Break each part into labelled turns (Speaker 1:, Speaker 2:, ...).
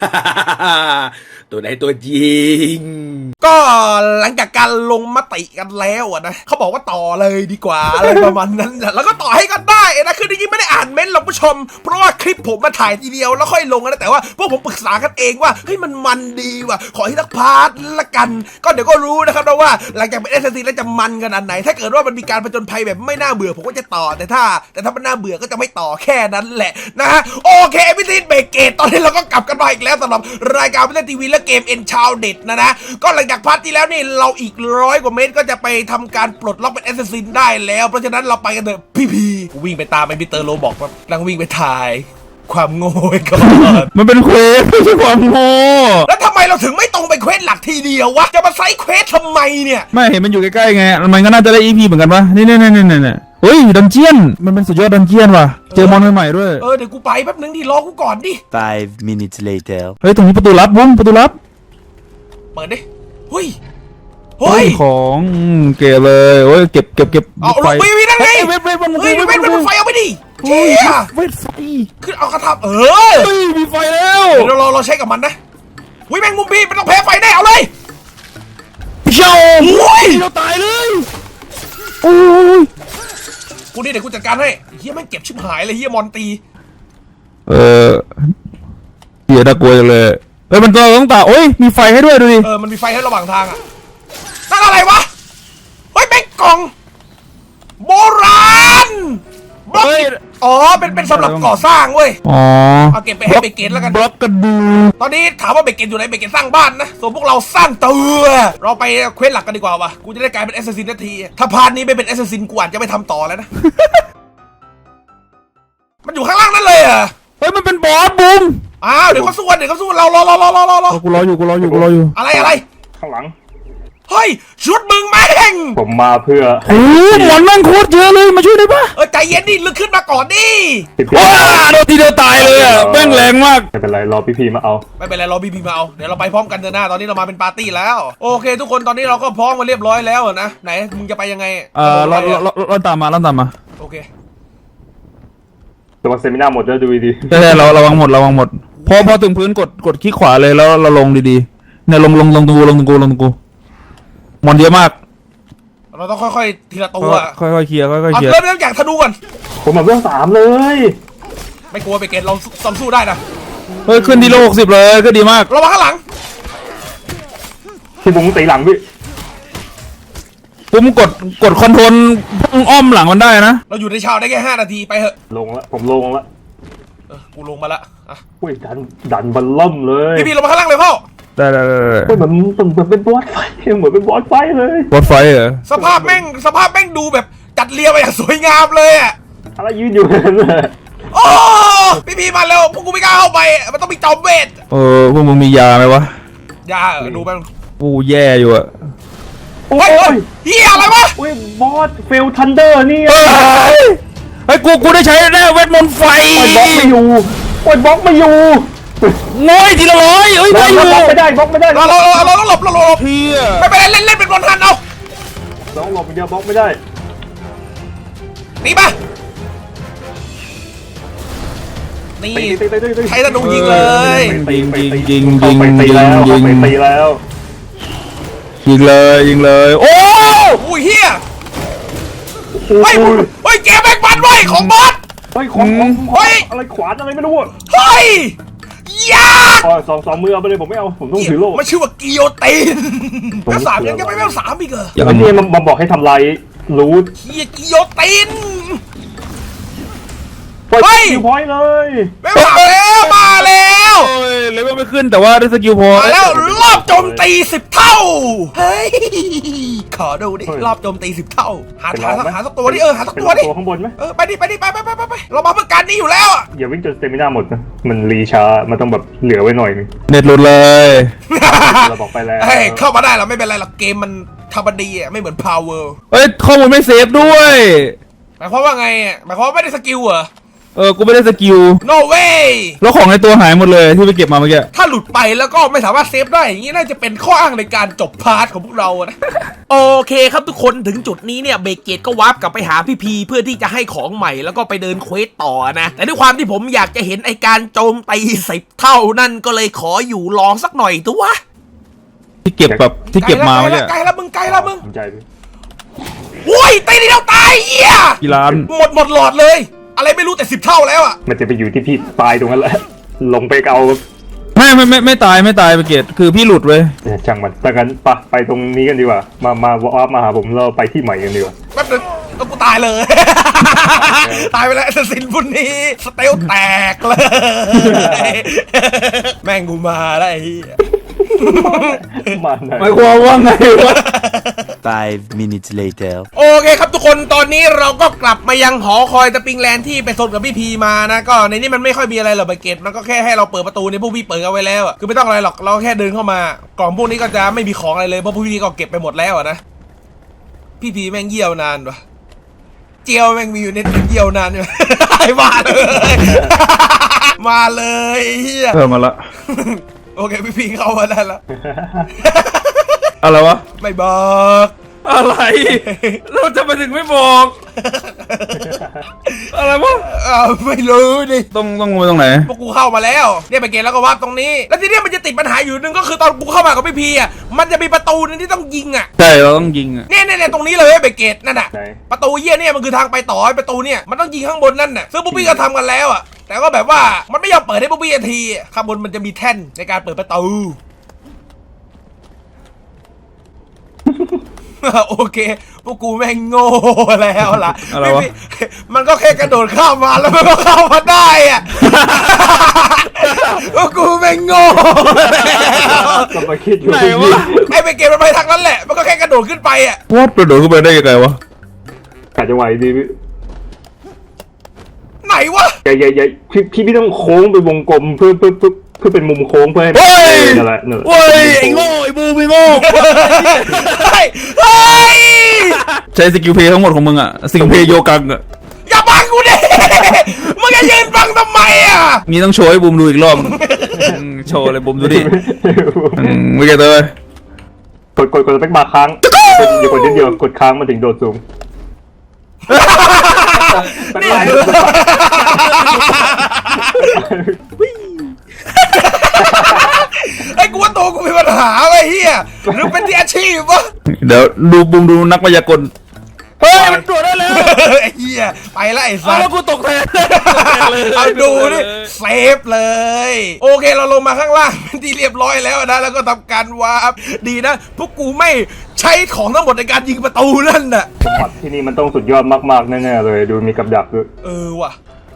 Speaker 1: ตัวไหนตัวจริงก็หลังจากการลงมติกันแล้วนะเขาบอกว่าต่อเลยดีกว่าอะไรประมาณนั้นแล้วก็ต่อให้กันได้นะคือจริงๆไม่ได้อ่านเม้นต์หรอกผู้ชมเพราะว่าคลิปผมมาถ่ายทีเดียวแล้วค่อยลงนะแต่ว่าพวกผมปรึกษากันเองว่าเฮ้ยมันดีว่ะขอให้ทักพาร์ทละกันก็เดี๋ยวก็รู้นะครับว่าหลังจากเป็น SSC แล้วจะมันขนาดไหนถ้าเกิดว่ามันมีการผจญภัยแบบไม่น่าเบื่อผมก็จะต่อแต่ถ้ามันน่าเบื่อก็จะไม่ต่อแค่นั้นแหละนะฮะโอเคพิธีเบรกเกตตอนนี้เราก็กลับกันมาอีกแล้วสำหรับรายการพิธีทีวีและเกมเอ็นชาวเด็ดนะก็หลังจากพาร์ทที่แล้วนี่เราอีก100 กว่าเมตรก็จะไปทำการปลดล็อกเป็นแอสซัสซินได้แล้วเพราะฉะนั้นเราไปกันเถอะพี่วิ่งไปตามไอ้มิสเตอร์โรบอกว่านั่งวิ่งไปถ่ายความโง่ก่อน
Speaker 2: มันเป็นเควสไม่ใช่ความโง่
Speaker 1: แล้วทำไมเราถึงไม่ตรงไปเควสหลักทีเดียววะจะมาไซด์เควสทำไมเนี่ย
Speaker 2: ไม่เห็นมันอยู่ใกล้ๆไงมันก็น่าจะได้ EP เหมือนกันปะนี่เฮ้ยดันเจียนมันเป็นสุดยอดดันเจียนว่ะเจอมอนใหม่ๆด้วย
Speaker 1: เดี๋ยวกูไปแป๊บนึงดิรอกูก่อนดิ
Speaker 3: 5 minutes later
Speaker 2: เฮ้ยตรงนี้ประตูลับบุ้มประตูลับ
Speaker 1: เปิดดิเฮ้ย
Speaker 2: ของเก็บเลยโอ้ยเก็บ
Speaker 1: เอาลงไปวิ่งนั่นไง
Speaker 2: เวทมัน
Speaker 1: ไฟเอาไปดิ
Speaker 2: เฮ้ยเวทไฟ
Speaker 1: ขึ้นเอากระทำ
Speaker 2: มีไฟแล้ว
Speaker 1: เดี๋ยวเราใช้กับมันนะวิ่งแมงมุมพี่ไม่ต้องแพ้ไฟได้เอาเลย
Speaker 2: เจ้าเราตายเลยโอ้ย
Speaker 1: กูนี่เดี๋ยวกูจัดการให้เฮียแม่งเก็บชิบหายเลยเฮียมอนตี
Speaker 2: เฮียน่ากลัวจังเลยมันต้องตาโอ้ยมีไฟให้ด้วยดูดิ
Speaker 1: มันมีไฟให้ระหว่างทางอ่ะนั่นอะไรวะเฮ้ยแม่งกล่องโบราณบล็อกเป็นสำหรับก่อสร้างเว้ยเอาเก็บไปให้เบเกตแล้วกัน
Speaker 2: บล็อกกันดู
Speaker 1: ตอนนี้ถามว่าเบเกตอยู่ไหนเบเกตสร้างบ้านนะส่วนพวกเราสร้างตัวเราไปเควสหลักกันดีกว่าวะกูจะได้กลายเป็นแอสซัสซินนาทีถ้าพาร์ทนี้ไม่เป็นแอสซัสซินกูอาจจะไม่ทำต่อแล้วนะ มันอยู่ข้างล่างนั่นเลยอ่ะ
Speaker 2: เฮ้ยมันเป็นบอสบุ้ม
Speaker 1: เดี๋ยวเขาสู้เรารอ
Speaker 2: กูรออยู่
Speaker 1: อะไร
Speaker 3: ข้างหลัง
Speaker 1: เฮ้ยชุดมึงแม่ง
Speaker 3: ผมมาเพื่อ
Speaker 2: โอ้หมอนแม่งโคตรเยอะเลยมาช่วยได้ปะ
Speaker 1: ใจเย็นดิลึกขึ้นมาก่อนดิ
Speaker 2: ว้าโดนทีเดียวตายเลยอ่ะแม่งแรงมาก
Speaker 3: ไม่เป็นไรรอพี่พีมาเอา
Speaker 1: ไม่เป็นไรรอพี่พีมาเอาเดี๋ยวเราไปพร้อมกันเถอะนะตอนนี้เรามาเป็นปาร์ตี้แล้วโอเคทุกคนตอนนี้เราก็พร้อมมาเรียบร้อยแล้วนะไหนมึงจะไปยังไง
Speaker 2: เราตามมา
Speaker 1: โอเค
Speaker 3: ตัวเซมินาหมดแล้วดูดี
Speaker 2: ใช่เราระวังหมดพอถึงพื้นกดคลิกขวาเลยแล้วเราลงดีๆเนี่ยลงตรงกูมอนเยอะมาก
Speaker 1: เราต้องค่อยๆทีละตัว
Speaker 2: ค่อยๆเคลียร์เ
Speaker 1: ริ่มจากธนูก่อน
Speaker 3: ผมมาเรื่อง3เลย
Speaker 1: ไม่กลัวไปเกตเราสู้ได้นะ
Speaker 2: เฮ้ยขึ้นที่โล60เลยก็ดีมาก
Speaker 1: ระวังข้างหลัง
Speaker 3: ที่บุ้งตีหลังพี่
Speaker 2: ปุ้มกดคอนโทรลพุ่งอ้อมหลังมันได้นะ
Speaker 1: เราอยู่ในชาวได้แค่5 นาทีไปเถอะ
Speaker 3: ลงแล้วผมลงแล้ว
Speaker 1: กูลงมาละ
Speaker 3: อุ้ยดันบัลล่มเลย
Speaker 1: พี่ลงมาข้างล่างเลยพ่อ
Speaker 2: ได้
Speaker 3: เหมือนเป็นบอสไฟเหมือนเป็นบอสไฟเลย
Speaker 2: บอสไฟเหรอ
Speaker 1: สภาพแม่งดูแบบจัดเรียงมาอย่างสวยงามเลยอ่ะ
Speaker 3: อะไรยืนอยู่นั่นเลย
Speaker 1: โอ้พี่มาแล้วพวกกูไม่กล้าเข้าไปมันต้องมีจอมเวท
Speaker 2: พวกมึงมียาไหมวะ
Speaker 1: ยาดูแม่ง
Speaker 2: กูแย่อยู่อะ
Speaker 1: โอ้ยเฮียอะไรวะ
Speaker 3: โอ้ยบอสเฟลทันเดอร์นี่
Speaker 2: ไอ้กูได้ใช้แน่เวทมนต์ไฟ
Speaker 3: บล็อกไม่อยู่บล็อกไม่อยู่
Speaker 2: ง่อยทีละร้อย
Speaker 3: ไม่อยู่บล็อกไม่ได้เรา
Speaker 1: ต้องหลบ
Speaker 2: เฮีย
Speaker 1: ไม่เป็นไรเล่นเป็นบอลทันเอา
Speaker 3: ต้องหลบเดียวบล็อกไม่ได้
Speaker 1: ตีมานี่ใช้ธนูยิงเลย
Speaker 2: ยิง
Speaker 3: ตีแล้ว
Speaker 2: ยิงเลยโอ้
Speaker 1: ยเฮียเฮ้ยแกแบกบันไว้ของบอส
Speaker 3: ของอะไรขวานอะไรไม่รู้
Speaker 1: เฮ้ยยาก
Speaker 3: สองมือเอาไปเลยผมไม่เอาผมต้องถือโล่
Speaker 1: มันชื่อว่ากิโยตินแล้ว3ยังไม่3อีกเหรอ
Speaker 3: อย่างนี้มาบอกให้ทำลายรู้
Speaker 1: กิโยติน
Speaker 3: ไปคิวพอยต์เลย
Speaker 1: มาแล้ว
Speaker 2: เลยไม่ขึ้นแต่ว่าได้สกิลพอ
Speaker 1: มาแล้วรอบโจมตี10 เท่าเฮ้ยขอดูดิรอบโจมตี10 เท่าหาสักตัวดิหาสักตัวดิ
Speaker 3: ตัวข้างบนไหม
Speaker 1: ไปดิไปเรามาเพื่อการนี้อยู่แล้ว
Speaker 3: อย่าวิ่งจนสเตมิน่าหมดนะมันรีชามันต้องแบบเหลือไว้หน่อยนึง
Speaker 2: เน็ตหลุดเลย
Speaker 3: เราบอกไปแล้ว
Speaker 1: เข้ามาได้เราไม่เป็นไรหรอกเกมมันธรรมดีไม่เหมือน Power
Speaker 2: ข้อมูลไม่เซฟด้วย
Speaker 1: หมายความว่าไงหมายความว่าไม่ได้สกิลเหรอ
Speaker 2: กูไม่ได้สกิล
Speaker 1: no way
Speaker 2: แล้วของในตัวหายหมดเลยที่ไปเก็บมาเมื่อกี้
Speaker 1: ถ้าหลุดไปแล้วก็ไม่สามารถเซฟได้อย่างนี้น่าจะเป็นข้ออ้างในการจบพาร์ทของพวกเรานะ โอเคครับทุกคนถึงจุดนี้เนี่ยเบเกตก็วาร์ปกลับไปหาพี่พีเพื่อที่จะให้ของใหม่แล้วก็ไปเดินเควสต่อนะแต่ด้วยความที่ผมอยากจะเห็นไอการโจมตี10 เท่านั่นก็เลยขออยู่รอสักหน่อยตัว
Speaker 2: ที่เก็บแบบที่เก็บมาเมื่อกี้
Speaker 1: ไกลแล้วมึงไกลแล้วมึง
Speaker 3: สนใจพี่
Speaker 1: โอ้ยตีนิดเดียวตายเหี้ย
Speaker 2: กี่ล้าน
Speaker 1: หมดหลอดเลย อะไรไม่รู้แต่10 เท่าแล้วอะ
Speaker 3: มันจะไปอยู่ที่พี่ตายตรงนั้นแหละลงไปเอา
Speaker 2: ไม่ตายไปเกตคือพี่หลุดเว้ย
Speaker 3: ช่างมันแต่กันไปตรงนี้กันดีกว่า มาวาร์ปมาหาผมเราไปที่ใหม่กันดีกว่า
Speaker 1: แป๊บนึงก็กูตายเลย ตายไปแล้วสินพุ่นนี้สเตลแตกเลย แม่งกูมาแล้วไอ้เหี้ย
Speaker 3: มาไหน
Speaker 2: หมายความว่าไงวะ
Speaker 4: 5 minutes later.
Speaker 1: โอเคครับทุกคนตอนนี้เราก็กลับมายังหอคอยตะปิงแลนด์ที่ไปสนกับพี่พีมานะก็ในนี้มันไม่ค่อยมีอะไรหรอกเบเกตมันก็แค่ให้เราเปิดประตูในพวกพี่เปิดเอาไว้แล้วอะคือไม่ต้องอะไรหรอกเราแค่เดินเข้ามากล่องพวกนี้ก็จะไม่มีของอะไรเลยเพราะพวกพี่ก็เก็บไปหมดแล้วอะนะพี่พีแม่งเยี่ยวนานวะเจียวแม่งมีอยู่ในเยี่ยวนานใช่ไหม มาเลย มาเลยเฮีย
Speaker 2: มาละ
Speaker 1: โอเคพี่พีเข้ามาได้แล้ว
Speaker 2: อะไรวะ
Speaker 1: ไม่บอก
Speaker 2: อะไรเราจะไปถึงไม่บอก อะไรวะ
Speaker 1: ไม่รู้ดิ
Speaker 2: ต้องไปตรงไหน
Speaker 1: พวกกูเข้ามาแล้วเนี่ยไปเกตแล้วก็วาร์ปตรงนี้แล้วทีเนี้ยมันจะติดปัญหาอยู่นึงก็คือตอนกูเข้ามากับพี่พีอ่ะมันจะมีประตูนึงที่ต้องยิงอ่ะ
Speaker 2: ใช่เราต้องยิงอ่ะ
Speaker 1: เนี่ยตรงนี้เลยไปเกตนั่นน่ะ
Speaker 3: ไหน
Speaker 1: ประตูเยี่ยเนี่ยมันคือทางไปต่อไอ้ประตูเนี่ยมันต้องยิงข้างบนนั่นน่ะซึ่งพวกพี่ก็ทำกันแล้วอ่ะแต่ก็แบบว่ามันไม่ยอมเปิดให้พวกพี่ทีข้างบนมันจะมีแท่นในการเปิดประตู โอเคพวกกูแม่งโง่แล้วล่ะ
Speaker 2: อะไรวะ
Speaker 1: มันก็แค่กระโดดข้ามมาแล้วมันก็เข้ามาได้อะ พวกกูแม่งโง่
Speaker 3: ก็มาคิดอยู่
Speaker 2: ไหน
Speaker 3: พี่
Speaker 2: วะ
Speaker 1: ไอ้ไปเกมมันไปทางนั้นแหละมันก็แค่กระโดดขึ้นไปอะ
Speaker 2: วอดกระโดดขึ้นไปได้ยังไงวะ
Speaker 3: กะจะไหวดีพี่
Speaker 1: ไหนวะ
Speaker 3: อย่าพี่ต้องโค้งไปวงกลมเพื่อเป็นมุมโค้งเพื่อให้
Speaker 2: เฮ้ย
Speaker 3: นั่นแหละ
Speaker 2: เว้ยไอ้โง่ไอ้บูมไอ้โง่
Speaker 1: เฮ้ยเฮ้ย
Speaker 2: ใช้สกิลเพย์ทั้งหมดของมึงอ่ะสกิลเพย์โยกังอ่ะ
Speaker 1: อย่าบังกูดิ มึงจะยืนบังทำไมอะ
Speaker 2: นี่ต้องโชว์ให้บูมดูอีกรอบโชว์เลยบูมดูดิไม่เก็ตเลย
Speaker 3: กดสเปคบาร์ค้างอย่ากดนิดเดียวกดค้างมาถึงโดดสูง
Speaker 1: นี่ไอ้กูว่าตัวกูมีปัญหาไอ้เหี้ยหรือเป็นที่อาชีพวะ
Speaker 2: เดี๋ยวดูบูมดูนักมายากลเฮ้ยมันตรวจได้แล้ว
Speaker 1: ไอ้เหี้ยไปแล้วไอ้
Speaker 2: เอา
Speaker 1: สัส
Speaker 2: แล้วกูตกแทน
Speaker 1: เอาดูดิเซฟเลย โอเคเราลงมาข้างล่างเป็นที่เรียบร้อยแล้วนะแล้วก็ทำการวาร์ปดีนะพวกกูไม่ใช้ของทั้งหมดในการยิงประตูนั่นน่ะ
Speaker 3: สมบัติที่นี่มันต้องสุดยอดมากๆแน่ๆเลยดูมีกับดักด้วย
Speaker 1: ว่ะ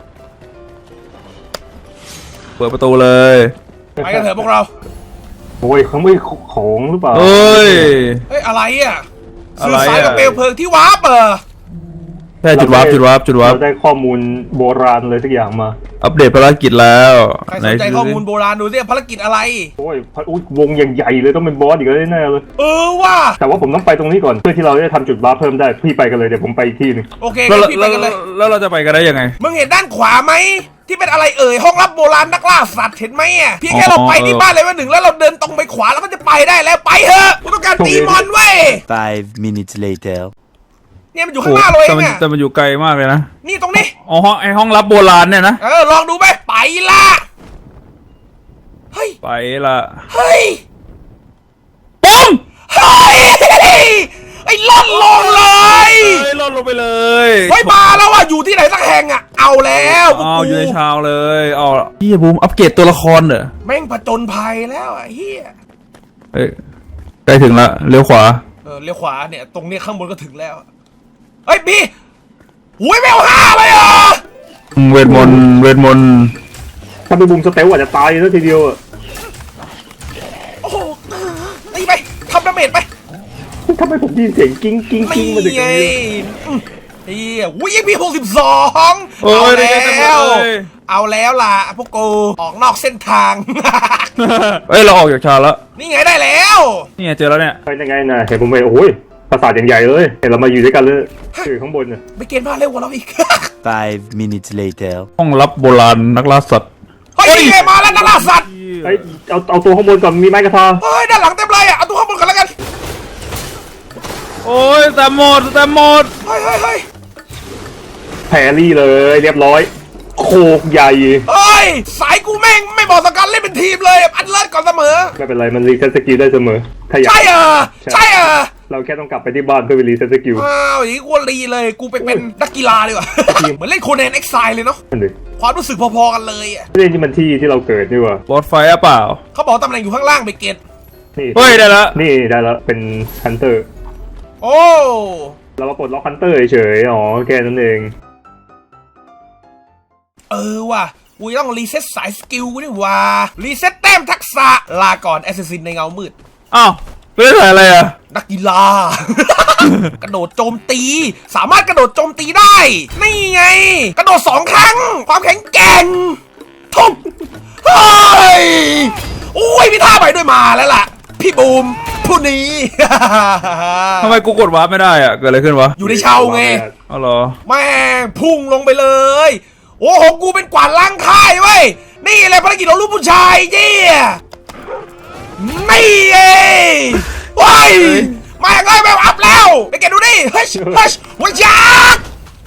Speaker 2: เปิดประตูเลย
Speaker 1: ไปกันเถอะพวกเรา
Speaker 3: โอ้ยเขาไม่ของหรือเปล่า
Speaker 2: เฮ้ย
Speaker 1: เฮ้ยอะไรอ่ะ
Speaker 2: อะ
Speaker 1: สื่
Speaker 2: ไร
Speaker 1: อ
Speaker 2: อะ
Speaker 1: สารกับเปลวเพลิงที่วาร์ปเหรอ
Speaker 2: ใช่จุดวาร์ป
Speaker 3: เราได้ข้อมูลโบราณเลยทุกอย่างมา
Speaker 2: อัปเดตภารกิจแล้ว
Speaker 1: ใครสนใจข้อมูลโบราณดูสิภารกิจอะไร
Speaker 3: โอ้ยวงอย่างใหญ่เลยต้องเป็นบอสอีกแล้วแน่ๆเลย
Speaker 1: ว่ะ
Speaker 3: แต่ว่าผมต้องไปตรงนี้ก่อนเพื่อที่เราจะทำจุดบาร์เพิ่มได้พี่ไปกันเลยเดี๋ยวผมไปอีกที่หนึง
Speaker 1: โอเค
Speaker 2: แล้ว
Speaker 1: งั้นพี่ไปกันเลย
Speaker 2: แล้วเราจะไปกันได้ยังไง
Speaker 1: มึงเห็นด้านขวาไหมที่เป็นอะไรห้องลับโบราณนักล่าสัตว์เห็นไหมอ่ะเพียงแค่เราไปที่บ้านเลยว่าหนึ่งแล้วเราเดินตรงไปขวาแล้วก็จะไปได้แล้วไปเถอะกูต้องการตีมอนเว้ย
Speaker 4: 5 minutes later.
Speaker 1: เนี่ยมันอยู่ข้างหน้าเราเองอ่ะ
Speaker 2: แต่มันอยู่ไกลมากเลยนะ
Speaker 1: นี่ตรงนี้
Speaker 2: อ๋อห้องลับโบราณเนี่ยนะ
Speaker 1: ลองดูไหมไปละเฮ้ย
Speaker 2: ไปละ
Speaker 1: เฮ้ย
Speaker 2: ปุ้ง
Speaker 1: เฮ้ยไอ้ล่อนลงเลย
Speaker 2: เฮ้ยลดลงไปเลย
Speaker 1: เฮ้ยมาแล้วอ่ะอยู่ที่ไหนสักแห่งอ่ะเอาแล้วพวก
Speaker 2: เอา
Speaker 1: กู
Speaker 2: อยู่ในชาวเลยเอาพี่บูมอัปเกรดตัวละครเหรอ
Speaker 1: แม่งผจญภัยแล้วอ่ะเฮีย
Speaker 2: เฮ้ยใกล้ถึงละเลี้ยวขวา
Speaker 1: เลี้ยวขวาเนี่ยตรงนี้ข้างบนก็ถึงแล้วเฮ้ยพี่หุยแมว5เลยเหรอ
Speaker 2: เวทมนต์
Speaker 3: ถ้าเป็นบุมสเตลอาจจะตายแล้วทีเดียวอ่ะ
Speaker 1: โอ้โหตีไปทำดาเมจไป
Speaker 3: ทำไมผมได้ยินเสียงกิ้งกิ้งกิ้งมาจาก
Speaker 1: ไง
Speaker 3: ตรงนี้
Speaker 1: เฮียอุ้ยยังมี62
Speaker 2: โอ้
Speaker 1: เอา
Speaker 2: ยได้
Speaker 1: แล้
Speaker 2: กันหม
Speaker 1: ว
Speaker 2: ดเลย
Speaker 1: เอาแล้วล่ะพวกกูออกนอกเส้นทาง
Speaker 2: เฮ้ยเราออกจากชาวแล้ว
Speaker 1: นี่ไงได้แล้ว
Speaker 2: นี่ไงเจอแล้วเนี่ย
Speaker 3: ไปยังไงนะเห็นผมไปโอ้ยปราสาทอย่างใหญ่เลยเห็นเรามาอยู่ด้วยกันเลยอยู่ข้างบนน่ะ
Speaker 1: ไปเกณฑ์มาเร็วกว่าเราอีก
Speaker 4: 5 minutes later.
Speaker 2: ห้องลับโบราณนักล่าสัตว์
Speaker 1: เฮ้ยนี่ไงมาแล้วนักล่าสัตว์
Speaker 3: เฮ้ยเอาตัวข้างบนก่อนมีไม้กระทา
Speaker 1: เฮ้ยด้านหลังเต็มเลยอ่ะเอาตัวข้างบนกันแล้วกัน
Speaker 2: โอ้ยแต่หมด
Speaker 1: เฮ้ย
Speaker 3: แพรรี่เลยเรียบร้อยโคกใหญ่
Speaker 1: เฮ้ยสายกูแม่งไม่บอกสกันเล่นเป็นทีมเลยอันเลิศก่อนเสมอ
Speaker 3: ไม่เป็นไรมันรีเซ็ตสกิลได้เสมอถ้าอยาก
Speaker 1: ใช่เหรอใช่เหรอ
Speaker 3: เราแค่ต้องกลับไปที่บ้านเพื่อไปรีเซ็ตสกิล
Speaker 1: อ้าวอย่างนี้กูรีเลยกูไปเป็นนักกีฬาดีกว่า เหมือนเล่นโคแนนเอ็กไซเลยเนาะ
Speaker 3: นั่นดิ
Speaker 1: ความรู้สึกพอๆกันเลยอ่ะ
Speaker 3: เรื่องที่มันที่เราเกิดนี่หว่า
Speaker 2: บอสไฟอะเปล่า
Speaker 1: เขาบอกตำแหน่งอยู่ข้างล่างไปเกต
Speaker 3: นี่
Speaker 2: เฮ้ยได้ละ
Speaker 3: นี่ได้แล้วเป็นฮันเตอร์
Speaker 1: โอ้
Speaker 3: เรามาปลดล็อกฮันเตอร์เฉยๆอ๋อแค่นั้นเอง
Speaker 1: ว่ะกูต้องรีเซ็ตสายสกิลกูนี่ว่ารีเซ็ตแต้มทักษะลาก่อนแอสซิสซินในเงามืด
Speaker 2: อ้าวไม่ได้ใส่อะไรอ่ะ
Speaker 1: นักกีฬา กระโดดโจมตี สามารถกระโดดโจมตีได้ นี่ไง กระโดด2 ครั้ง ความแข็งแกร่งทุบเฮ้ยโอ้ยมีท่าใหม่ด้วยมาแล้วล่ะ พี่บูมผู้นี้
Speaker 2: ทำไมกูกดวาร์ปไม่ได้อ่ะเกิดอะไรขึ้นวะ
Speaker 1: อยู่ในเชาไง
Speaker 2: อ๋อเหรอ
Speaker 1: แม่งพุ่งลงไปเลย โอ้โหกูเป็นกวาดล้างค่ายเว้ย นี่แหละภารกิจของลูกผู้ชายเจี้ยนี่เองว้ายมาอย่างไรแบบอัพแล้ว ไปเก็บดูดิเฮ้ยหัวจัก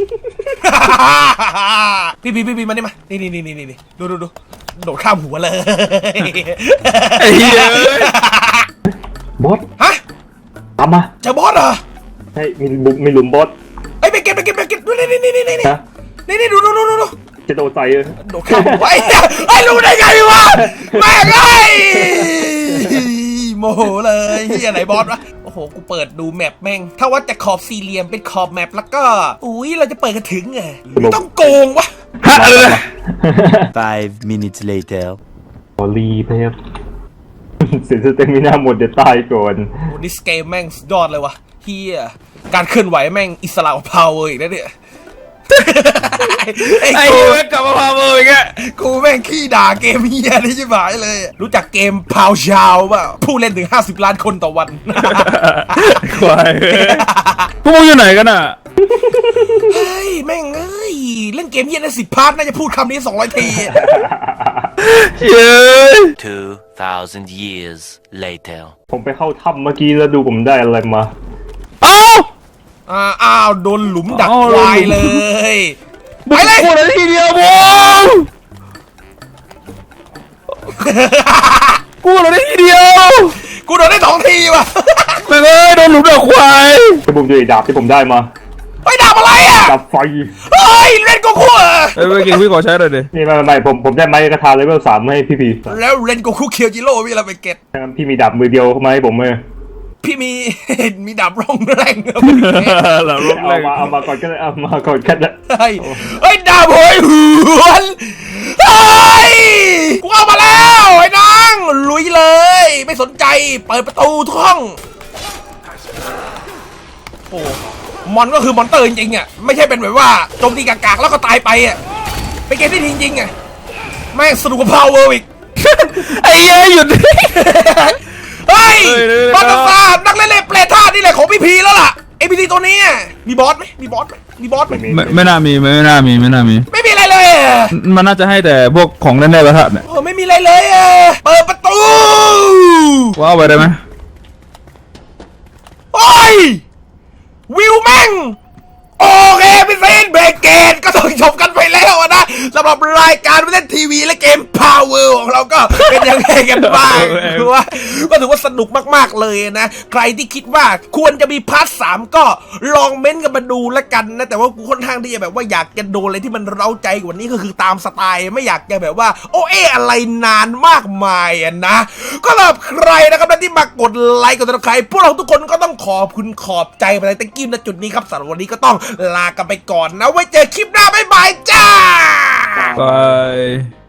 Speaker 1: พี่มานี่มา นี่ดูโดดข้ามหัวเลย
Speaker 2: ไอ้เหี้ย
Speaker 3: บอส
Speaker 1: ฮะ
Speaker 3: ตามมา
Speaker 1: เจอบอสเหรอ
Speaker 3: ใช่มีหลุมบอส
Speaker 1: เอ้ยไปเก็บดูนี่
Speaker 3: ฮะ
Speaker 1: นี่ดู
Speaker 3: จะโดดใส่เลย
Speaker 1: โดดข้ามหัวไอ้รู้ได้ไงวะแม่งไอ้โมโหเลยเฮียไหนบอสวะโอ้โหกูเปิดดูแมปแม่งถ้าว่าจะขอบสี่เหลี่ยมเป็นขอบแมปแล้วก็อุ้ยเราจะเปิดกันถึงไงต้องโกงวะ
Speaker 2: ฮะอะไรนะ
Speaker 4: 5 minutes later.
Speaker 3: ขอรีเพบ เสียสเตมิน่าหมดเดี๋ยวตายก่อน
Speaker 1: โอ้ดิสเกมแม่งสุดยอดเลยวะเฮียการเคลื่อนไหวแม่งอิสระพาวเวอร์อีกแล้วเนี่ยไอ้
Speaker 2: ไอ้
Speaker 1: กู
Speaker 2: เหี้ยกลับมาพาเบอร์อีกแก
Speaker 1: กูแม่งขี้ด่าเกมเฮียนี่ใช่ไหมเลย รู้จักเกมพาวชาวป่ะผู้เล่นถึง50 ล้านคนต่อวัน
Speaker 2: ควายพวกมึงอยู่ไหนกันอ่ะ
Speaker 1: เฮ้ย แม่งเอ้ย เล่นเกมเฮียได้10 พาร์ทน่าจะพูดคำนี้200 ที
Speaker 2: เย้ย
Speaker 4: 2,000 years later.
Speaker 3: ผมไปเข้าถ้ำเมื่อกี้แล้วดูผมได้อะไรมา
Speaker 2: เอ้า
Speaker 1: อ้าว โดนหลุมดัก
Speaker 2: อ้าว
Speaker 1: ควาย
Speaker 2: โดนหลุ
Speaker 1: เล
Speaker 2: ม
Speaker 1: ย
Speaker 2: ไปเลยกูเลยทีเดียวบูมกูเลยทีเดียว
Speaker 1: กูโดนได้2 ทีว่ะ
Speaker 2: แม่งเอ้ยโดนหลุมเดือดควาย
Speaker 3: ที่ผมจะดาบที่ผมได้มา
Speaker 1: ไปด่าอะไรอ่ะ
Speaker 3: ดาบไฟ
Speaker 1: เฮ้ย เล่นโกคูเหรอ
Speaker 2: เอ้ยเก่งพี่ขอใช้หน่อยดิ
Speaker 3: นี่ไม่ผมได้ไม้กระทาเลเวล3ให้พี่
Speaker 1: แล้วเล่นโกคูเคียวจิโร่พี่เราไปเก็ต
Speaker 3: งั้นพี่มีดาบมือเดียวมาให้ผมเลย
Speaker 1: พี่มี มีดาบร่องแรง
Speaker 2: หลังลบ
Speaker 3: เอา
Speaker 2: เลย
Speaker 3: มาก่อนก็ได้เอามาก่อนก็ได้
Speaker 1: เฮ้ยเฮ้ยดาบโหยหวนเฮ้ยกูเอามาแล้วไอ้นางลุยเลย ไม่สนใจเปิดประตูทุกห้องโอ้มอนก็คือมอนเตอร์จริงๆอ่ะไม่ใช่เป็นแบบว่าโจมตีกากๆแล้วก็ตายไปอ่ะเป็นเกมที่ดีจริงๆอ่ะแม่งสนุกกว่าพาวเวอร์อีก
Speaker 2: ไอ้เหี้ยหยุด
Speaker 1: เฮ้ย
Speaker 2: เฮ้ย
Speaker 1: บอสตานักเล่นเล่นเปลท่านี่แหละของพี่พีแล้วล่ะไอพีทีตัวนี้อะมีบอสไหมมีบอสไหมมีบอสไหม
Speaker 2: ไม่น่ามีไม่น่ามี
Speaker 1: ไม่มีอะไรเลยอะ
Speaker 2: มันน่าจะให้แต่พวกของเล่นได้ประทัดเนี่ย
Speaker 1: โอ้ไม่มีอะไรเลยอะเปิดประตู
Speaker 2: ว้าวไปได้ไหม
Speaker 1: โอ้ยวิวแม่งโอเคพี่เซนเบรกเกตก็ต้องจบกันไปแล้วอะนะสำหรับรายการเล่นทีวีและเกม Power ของเราก็เป็นยังไงกันบ้างคือว่าก็ถือว่าสนุกมากๆเลยนะใครที่คิดว่าควรจะมีพาร์ท 3ก็ลองเม้นต์กันมาดูแล้วกันนะแต่ว่ากูค่อนข้างที่จะแบบว่าอยากจะโดนอะไรที่มันเร้าใจกว่านี้ก็คือตามสไตล์ไม่อยากจะแบบว่าโออะไรนานมากมายอะนะก็สำหรับใครนะครับที่มากดไลค์กดติดตามใครพวกเราทุกคนก็ต้องขอบคุณขอบใจไปในตะกี้ณจุดนี้ครับสำหรับวันนี้ก็ต้องลากันไปก่อนนะไว้เจอคลิปหน้าบ๊ายบายจ้า
Speaker 2: ไป